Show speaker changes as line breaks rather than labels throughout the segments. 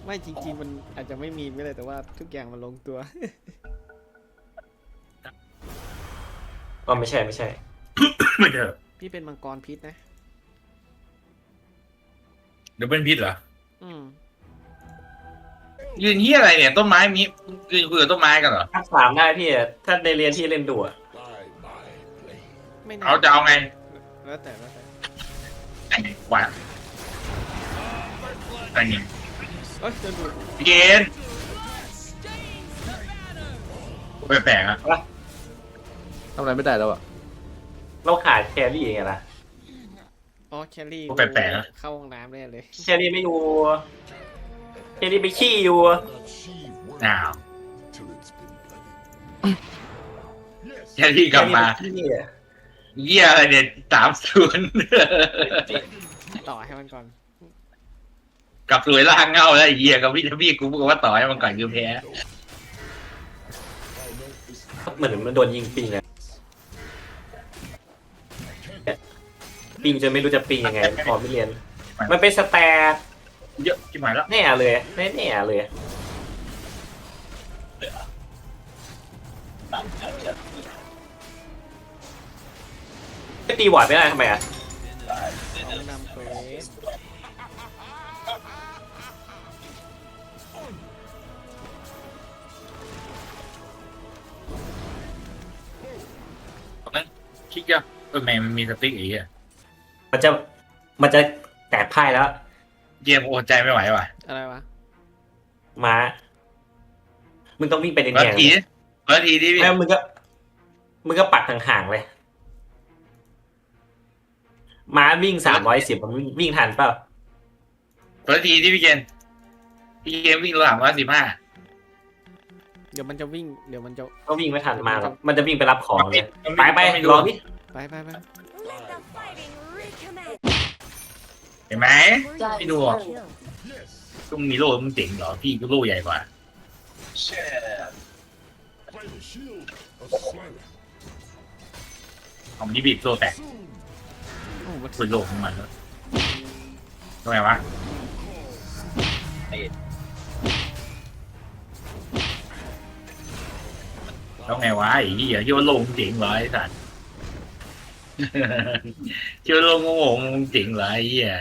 ไม่จริงๆมันอาจจะไม่มีไม่เลยแต่ว่าทุกอย่างมันลงตัว
ก็ไม่ใช่
ไม่เถอะ
พี่เป็นมังกรพิษนะ
เดี๋ยวเป็นพิษเหรอ
อืม
ยืนเฮียอะไรเนี่ยต้นไม้มียืนคุยกับต้นไม้กันเหรอ
ภาค 3ได้พี่ถ้าในเรียนที่เล่นดูอะ
ไม่น่า
เอาจะเอาไง
แล้วแต่
ไอ้วะไอ้นี่
เอ้ยจะดู
พี่เกณฑ์แปลกๆอ่ะ
ทำอะไรไม่ได้แล้วอ่ะ
เราขาดแครี่ไงล่ะ
อ๋อแคลรี่
แปลกๆนะ
เข้าห้องน้ำได้เลย
แครี่ไม่อยู่แครี่ไปขี้อยู่
อ้าวแค่ที่กลับมา
แครี่ไปขี้อะ
เยี่ยอะไรเนี่ย30
ต่อให้มันก่อน
กลับสวยล่างเงาแล้วไอ้เหี้ยกับพี่กูบอกว่าต่อให้มันก่อนคือแพ้
เหมือนมันโดนยิงปิงอะปิงจนไม่รู้จะปิงยังไงพอไม่เรียน มันเป็นสแตร์
เยอะชิบหายแล้ว
แน่เลยแน่เลยไม่ตีวอร์ดไม่ได้ทำไมอ่ะ
เอานำเควส
ตอนนั้นคิดว่าแม่งมันมีสติ๊กไอ้เหี้ย
มันจะแตกพ่ายแล้ว
เกมโอนใจไม่ไหวว่ะ
อะไรวะ
ม้ามึงต้องวิ่งไปใน
เปิด
เนียง
ทีเปิดทีดิพี่
แล้วมึงก็ปักห่างๆเลยม้าวิ่ง310มันวิ่งทันเปล่า
เปิดทีดิพี่เกณฑ์พี่เกมวิ่งระหว่าง115
เดี๋ยวมันจะวิ่งเดี๋ยวมันจะ
ก็วิ่งไม่ทันมาหรอกมันจะวิ่งไปรับของเลยไปรอพี่
ไป
Let the fighting recommence.
เห็นไหม
Double
ไม่ดูหรอก
kill.
ต้องมีโล่มึงเจ๋งเหรอพี่ก็โล่ใหญ่กว่าเอามันนี่บีบโล่แตก
โอ้มัน
คุยโล่ของมันแล้วทำไมวะแล้วไงวะไอ้เหี้ยคิดว่าโล่มึงเจ๋งเหรอไอ้สัตว์ คิดว่าโล่โง่ๆมึงเจ๋งเหรอไอ้เหี้ย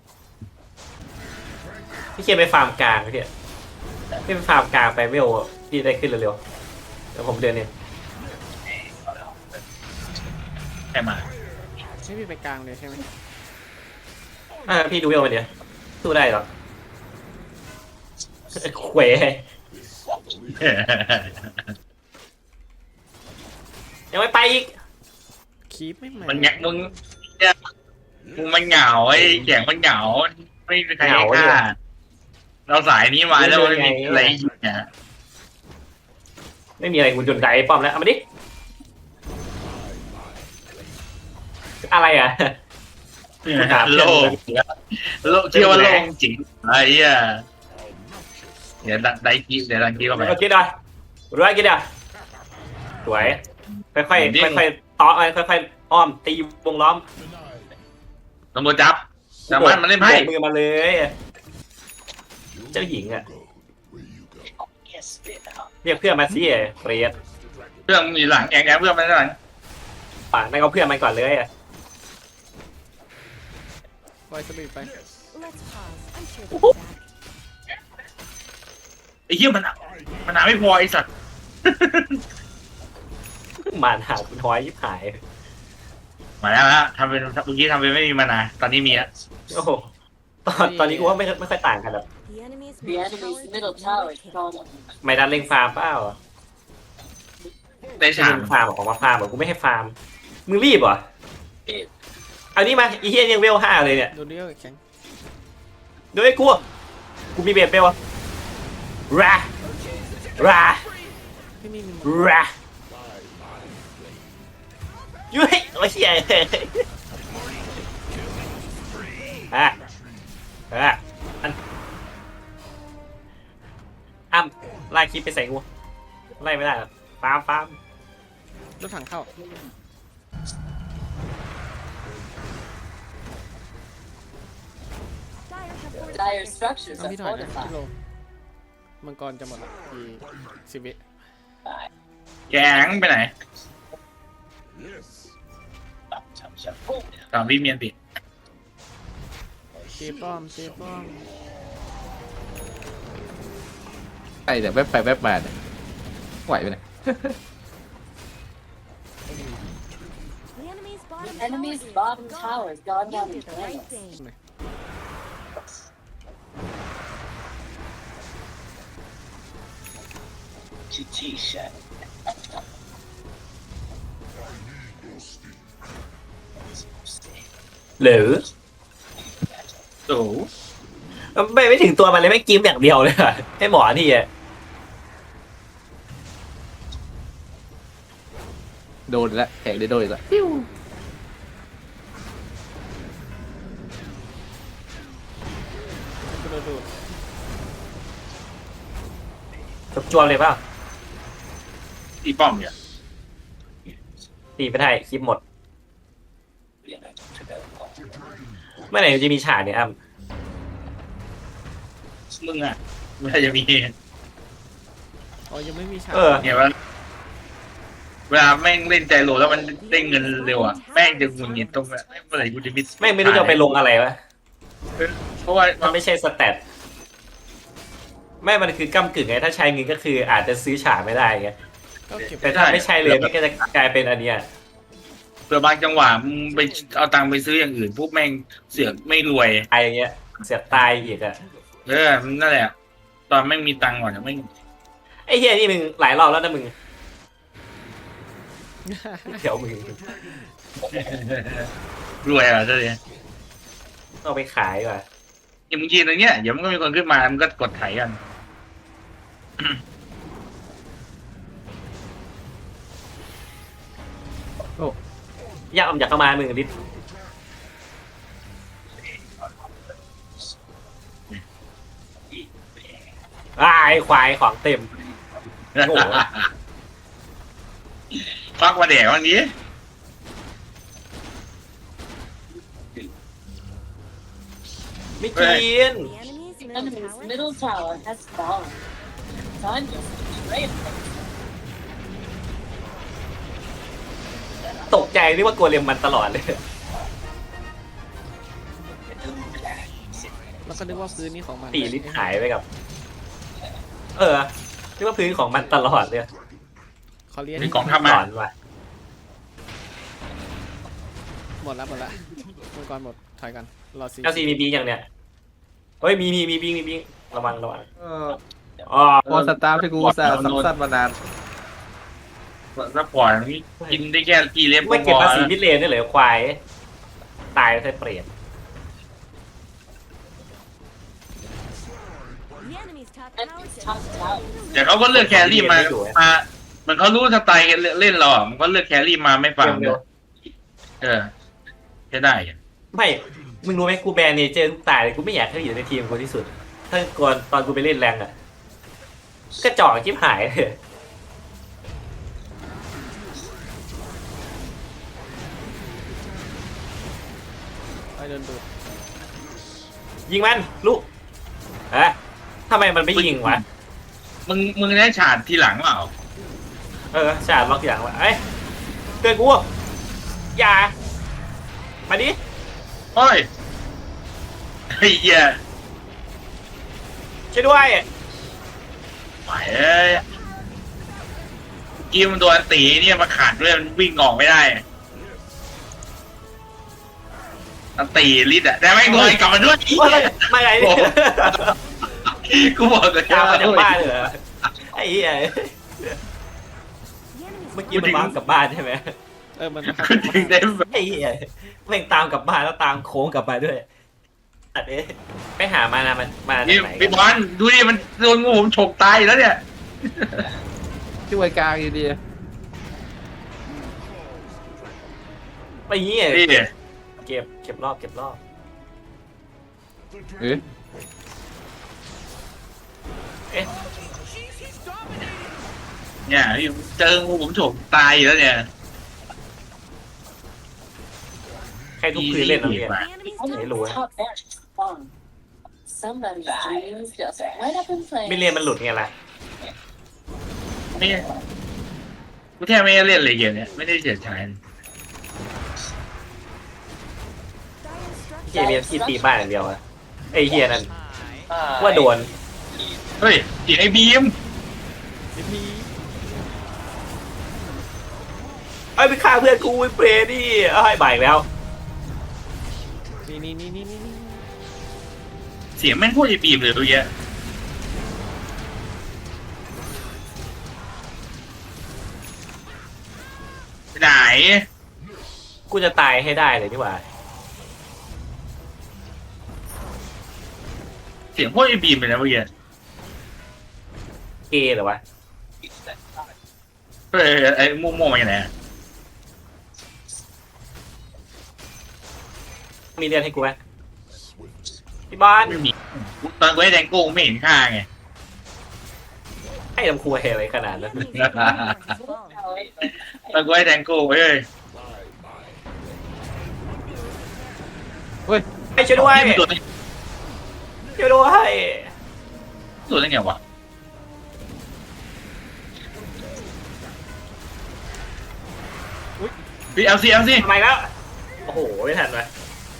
พี่เคียนไปฟาร์มกลางพี่ไปฟาร์มกลางไปเวลพี่ได้ขึ้นเร็วๆเดี๋ยวผมเดินเนี่ย
แค่มา
ไม่มีไปกลางเลยใช่ไหม
พี่ดูเวลมาเดี๋ยวสู้ได้หรอเขวยังไม่ไปอีก
คีปไม่มา
มันมึงเนี่ยมึงมันเหงาไอ้แข่งมันเหงาไม่มีใครให้ฆ่าเราสายนี้มาแล้วไม่มีอะไรอยู่เนี่ย
ไม่มีอะไรกูจนไดป้อมแล้วเอามาดิอะไรอ่ะ
โลกโลกเชื่อว่าโลกจริงไอ้เหี้ยเดี๋ยวได้กี้เดี๋ยวดังกี้เข้าไป
โอเคได้รู้อะไรกินอ่ะสวยค่อยๆค่อยๆต่อค่อยๆอ้อมตีวงล้อม
ตำรวจจับสามารถมันเล่นไพ่
โบกมือมาเลยเจ้าหญิงอ่ะเรียกเพื่อนมาสิเฟรด
เรื่องมีหลังแองเพื่อนมันหลัง
ป่านนั่นก็เพื่อนมันก่อนเลยอ่ะ
ปล่อยสปีดไป
Let's pause. I'm sure they'll be back.
ไอ้เหี้ยมันหาไม่พอไอ้สัตว์
มานหาคุณทอยยิบหาย
มาแล้วนะทำเป็นเมื่อกี้ทำเป็นไม่มีมานาตอนนี้มีแล้ว
โอ้โหตอนนี้กูว่าไม่ค่อยต่างกันหรอก
The enemy's
The enemy's middle tower is gone.
ไม่ดันเล่งฟาร์มเปล่า
ได้
ไม่
ฉาก
เล่งฟาร์มของมาฟาร์มบอกกูไม่ให้ฟาร์มมึงรีบเหรอเอานี่มาอีเฮียยังเวล5เลยเนี่ย
โดนเดียวแข็ง
ดูไอ้กูมีเบสเบลรา
ไม่มี
ยุ้ยโอ้ยเฮียอ้ำไล่คลิปไปใส่กูไล่ไม่ได้หรอฟาร์ม
รถถังเข้า
Dire have
Dire
fortified.
structures
เอา
are
พี่ถอยนะพี่
fortified.
โลมังกรจะหมดละอีก10 วิ
แกงไปไหนตามพี่เมียนติ
ตีป้อมตีป้อม
ไอ้แต่แวบไปแวบมาเนี่ยไหวไหมเนี่ย
The enemy's bottom
Enemy's
tower is
bottom
gone.
tower has gone
You
down
did
in
the right
flames.
thing.
หรือ
โอ้
ไม่ถึงตัวมันเลยไม่กิ้มอย่างเดียวเลยอะให้หมอที่อะ
โดนอีกแล้วแขกได้โดนอีกแล้ว
กระโดด
จวบเลยเปล่า
ตีป้อมเนี่ย
ตีไม่ได้คลิปหมดเมื่อไหร่จะมีฉากเนี่ยอ้ำ
มึงอ่ะไม่จะมี
อ๋อยังไม่มีฉาก
เออ
เนี่ยว่าเวลาแม่งเล่นใจโหลแล้วมันได้เงินเร็วอ่ะแม่งจะหงุดหงิดตรงเมื่อไหร่กูจะมิส
ไม่รู้จะไปลงอะไรวะ
เพราะว่า
มันไม่ใช่สแตทไม่มันคือก้ำกึ่งไงถ้าใช้เงินก็คืออาจจะซื้อฉากไม่ได้ไง
ก็เก็บ
แต่ถ้าไม่ใช่เลยมันก็จะกลายเป็นอันเนี้ย
เผื่อบางจังหวะมึงไปเอาตังค์ไปซื้ออย่างอื่นพวกแม่งเสือกไม่รวย
ไอ้เงี้ยเสียตายอีกอะ
นั่นแหละ ตอนแม่งมีตังค์ก่อนแม่ง
ไอ้เฮียนี่มึงหลายรอบแล้วนะมึงเดี๋ยวมึง
รวยอ่ะเจ้าเนี่ย
เอาไปขายว่ะ
อย่างมึงกินอย่างเงี้ยเดี๋ยวมันก็มีคนขึ้นมามันก็กดไถกัน
อยากเข้ามามึงดิไอ้ควายของเต็ม โอ้โห
ฟักมาแดกวันนี้
ไม่กิน
The enemy's
Enemy's
middle
middle tower has fallen. Time just betrayed them.
ตกใจนึกว่ากลัวเรียมมันตลอดเลย
แล้วก็นึกว่าพื้นนี่ของมัน
ตีลิตรหายไปกับ เออนึกว่าพื้นของมันตลอดเลย
ขอเลี้ยง
มีกองทัพ
หล
มา
อนว่ะ
หมดละมังกรหมดถอยกันรอซี
เอลซีมีบีอย่างเนี้ยเฮ้ยมีบีระวัง
เออ
อ๋อ
พอสตาร์ที่กูอุตส่าห์ซับซ้อนมานาน
แล้วปล่อยมันกินได้แค่กี่เล็บ
ไม่เก็บภาษี
พอ
มิดเลนได้เลยควายตายใส่เปรต
The enemy's top
Enemy's
tower
top tower.
แต่เขาก็เลือกแครี่มาเหมันเขารู้สไตล์เล่นเราอ่ะมันก็เลือกแครี่มาไม่ฟัง
เร็ว
ใช่ได้อะ
ไม่มึงรู้ไหมกูแบนเนเจอร์ทุกตายเลยกูไม่อยากให้อยู่ในทีมกูที่สุด ถ้าก่อนตอนกูไปเล่นแรงอ่ะกระจอกจิ๊บหายเลย
ไปเดินดูด
ยิงมันลูกฮะทำไมมันไม่ยิงวะ
มึงได้ฉาดทีหลังเปล่า
เออฉาดล็อกอย่างวะเอ้ยเตือนกูอย่ามาดิ
โอ้ยไอ้เหี้ย
ช่วยด้วย
ไปเอ้ยกี้มันโดนตีเนี่ยมาขาดด้วยมันวิ่งออกไม่ได้มันตีลิดอ่ะแต่ไม่งเลยกลับมาด้วย
มาไงเนี่ย
กูบอกเลย
ตามมาจากบ้านเลยเหรอไอ้เหี้ย
The enemy's
เมื่อกี้มันวางกลับบ้านใช่ไหม
มัน
กูถึงได้
ไอ้เหี้ยแม่งตามกลับบ้านแล้วตามโค้งกลับมาด้วยอัดเอ๊ะไปหามานะมันมาจาก
นี่
ไหน
พี่บอลดูดิมันโดนงูผมฉกตายอยู่แล้วเนี่ย
ที่ไวกลางอยู่ดี
ไปเงี้ย
นี่
เก็บรอบ
เอ๊ะ
เนี่ยพี่เจองูผมฉกตายอยู่แล้วเนี่ย
ใครทุกคืนเล่นอะไรเนี่ย
The enemy's top
Enemy's top barracks has fallen. Somebody's dreams just light up in
ไม่เรียน
flames.
มันหลุดไงล่ะ
ไม่กูแทบไม่ได้เล่นเลยเกมเนี้ยไม่ได้เฉียดฉาย
เฮียเรียนที่ตีบ้านอย่างเดียวอะไอเฮียนั่นว่าโดน
เฮ้ยเสียงไอ้บีม
ไอ้ยไปฆ่าเพื่อนกูไอ้เปรย์นี่เอ้ยบ่ายอีกแล้ว
นี่
เสียงแม่งโคตรไอ้บีมเลยตัวเนี้ยไปไหน
กูจะตายให้ได้เลยดีกว่า
เสียงโคตรไอ้บีมเลยนะเมื่อกี้
เกย์เหรอวะ
เฮ้ยไอ้ม่วงๆมาอย่างไร
มีเรียนให้กูไหมพี่บ้าน
ไม่มีตอนกูให้แดงโก้ไม่เห็นค่าไง
ให้ลำครัวเฮอะไรขนาดนั้น
Enemies bottom tower has fallen.
ตอนกูให้แดงโก้เฮ้ย
ให้ช่วยด้วย
นี่มันตัวได้
ช่วยด้วย
ตัวได้ไงวะพี่เอาสิ
ทำไมแล้ว โอ้โหไม่ทันวะ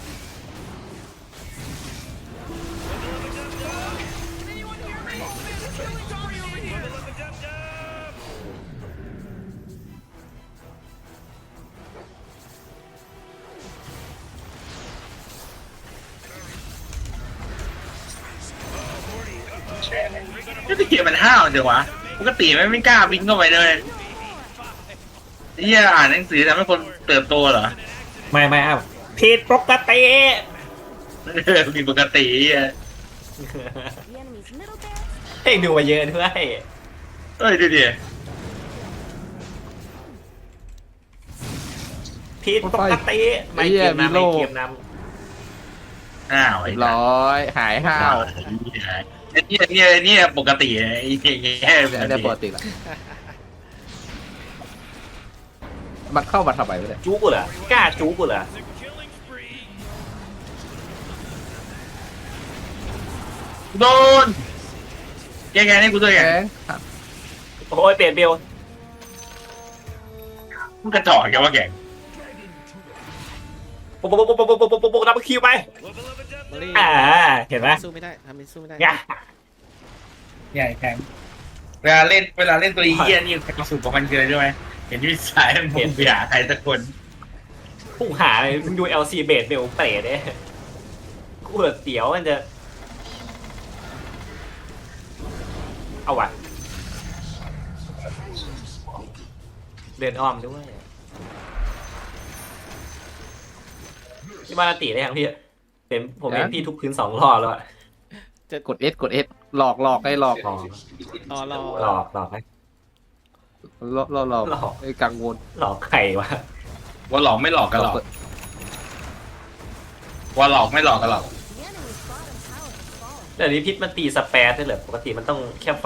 นี่เกมมันห้าวเดี๋ยววะปกติไม่กล้าวิ่งเข้าไปเลยนี่อ่านหนังสือทำให้คนเติบโตเหรอ
ไม่อ้าวผิดปกติ
มีปกติอ่ะ
The enemy's middle barracks
ให้ดูมาเยอะด้วย
เอ้ยดูดิ
ผิดปกติไม่เกมนำไม่เกมน
อ้าวไอ้
ร้อยหายห้าว
นี่ปกติไอ้แง่ป
อัน
ก
นี้
ติ
ปกติละมันเข้ามาทำไมวะเนี่ย
ำจูกูเหรอกล้าจูกูเหรอ
โดนแกนี่กูด้วย
แก
ไง
ง
โอ้ยเปลี่ยนเบล
มึงกระจอกแกว่าแก
ปุ๊บดับคิวไป
มาลี่
เห็นไหม
สู้ไม่ได้ทำเป็นสู้ไม่ได้
ง่ะ
ใหญ่แข็งเวลาเล่นตัวเหี้ยนี่สุดของมันคืออะไรรู้ไหมเห็นวิสัยมันเปลี่ยนไปหาใครสักคน
ผู้หาเลยมึงดู LC เบสเบลเปรตเนี่ยกูเหลือเตี๋ยวมันจะ เอาว่ะ เดินอ้อมด้วยพี่บ้านตีได้ยังพี่ผมเห็นพี่ทุบพื้น2 รอบแล้วอะ
กด S กด S หลอกให้หลอก
อ๋อ
รอ
หลอกไหม
หลอกไอ้กังวล
หลอกใครวะ
ว่าหลอกไม่หลอกกันหรอกว่าหลอกไม่หลอกกันหรอก
The enemy's bottom tower has fallen.
เดี๋ยวนี้พิษมันตีสแปร์ได้เหรอปกติมันต้องแค่ไฟ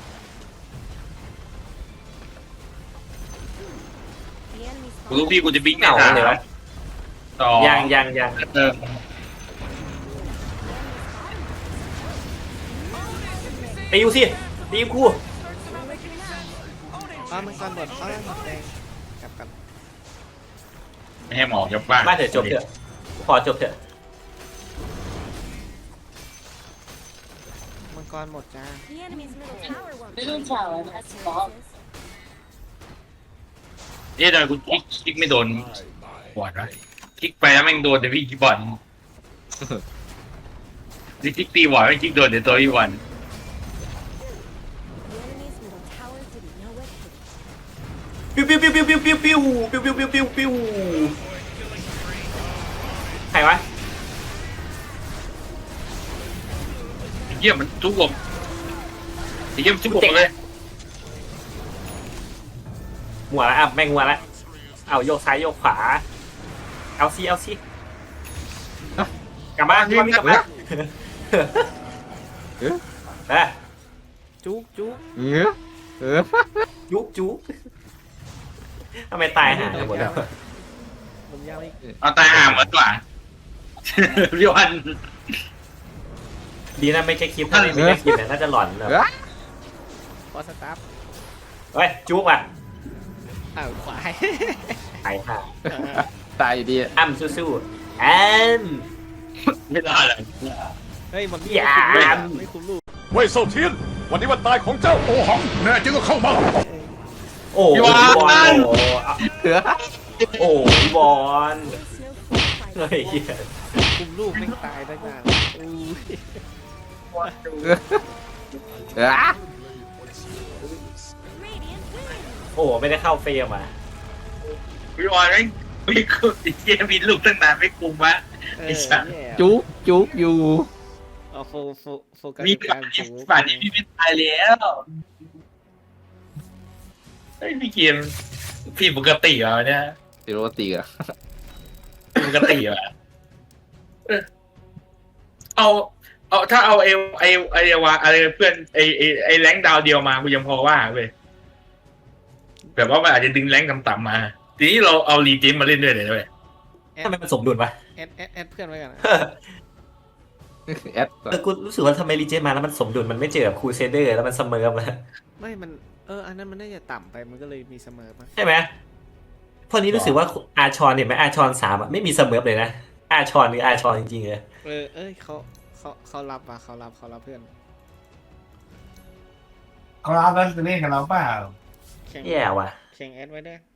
The enemy's
กูรู้
bottom
พี่กูจะบิ๊ก
เหงาเลยวะ
ต่อ
ยัง
เออ
ตีกูสิตีกู
มันก่อนหมดหมดแดงกลับกัน
ไม่ให้หมอกกับบ้าน
มาเถอะจบเถอะขอจบเถอะ
มังกรหมดจ้า
The enemy's middle tower won't
Middle
change.
tower has fallen.
เอ๊ะทำไมกูคลิกไม่โดนบอลวะคลิกไปแล้วแม่งโดนแต่พี่บอลคลิกตีบอลไม่คลิกโดนแต่ตัวพี่บอล
The enemy's middle tower didn't know what hit it.
ปิ้วใครวะ
ไอ้เหี้ยมันทุบผมไอ้เหี้ยมันทุบผมเลย
หัวละแม่งหัวละเอาโยกซ้ายโยกขวาเอาซีกลับมากลับมา
จุก
จุกทำไมตายหาหมดแล้ว
ผมยาวอีก
เอาตายห่าหมดกว่าพี่บอล
ดีนะไม่ใช่คลิปถ้าไม่มีคลิปเนี่ยน่าจะหลอนเลย
พอสตาร์ท
เฮ้ยจุ๊บอ่ะ
อ้าวขวาย
หายค่ะ
ตายอยู่ดี
อ้ำสู้ๆอ้ำ
ไม่ได้เลย
เฮ้ยมัน
อย่า
ไม่คุ้มลูก
เว่ยเซาเทียน วันนี้วันตายของเจ้าโอหัง แน่จริงก็เข้ามา
โอ้ยบอลโอ้ยบอล
There's no fair
เฮ้ย
fight.
เหี้ย
คุมลูกไม่ตายตั้งนานอู้ย
Radiant wins.
โอ้ไม่ได้เข้าเฟรมอ่ะ
พี่บอลไม่คุมไอ้เหี้ยมีลูกตั้งนานไม่คุมวะ
เอ
ไอ้
อ
สัส
แย่
จุ๊บจุ๊บอยู่
เอาโฟกัส
มี
ที่
ป่า
การ
ที่
จู
ป่านนี้พี่ไม่ตายแล้วไอ้ยพี่เกมพี่ปกติเหรอเนี่ย
ติโรติอ่ะ
ปกติเหรอเออเอาถ้าเอาไอวะอะไรเพื่อนไอแรงค์ดาวเดียวมากูยังพอว่าเว้ยแบบว่ามันอาจจะดึงแรงค์ต่ำๆมา ทีนี้เราเอารีจิมมาเล่นด้วยเลยเว้ย
ทำไมมันสมดุลวะ
แอดเพื่อนไว้กันนะ
แอด
กูรู้สึกว่าทำไมรีเจนมาแล้วมันสมดุลมันไม่เจอกับครูเซเดอร์แล้วมันเสมอมา
ไม่มันอันนั้นมันน่าจะต่ำไปมันก็เลยมีเสมอมา
ใช่ไหมพอนี้รู้สึกว่าอาชอนเห็นไหมอาชอน3อะไม่มีเสมอเลยนะอาชอนหรืออาชอนจริงๆเลย
เขารับว่ะเขารับเพื่อน
เขารับแล้วจะเล่นกับเราเปล่า
แข่ง
แย่ว่ะ
แข่งแอดไว้ด้วย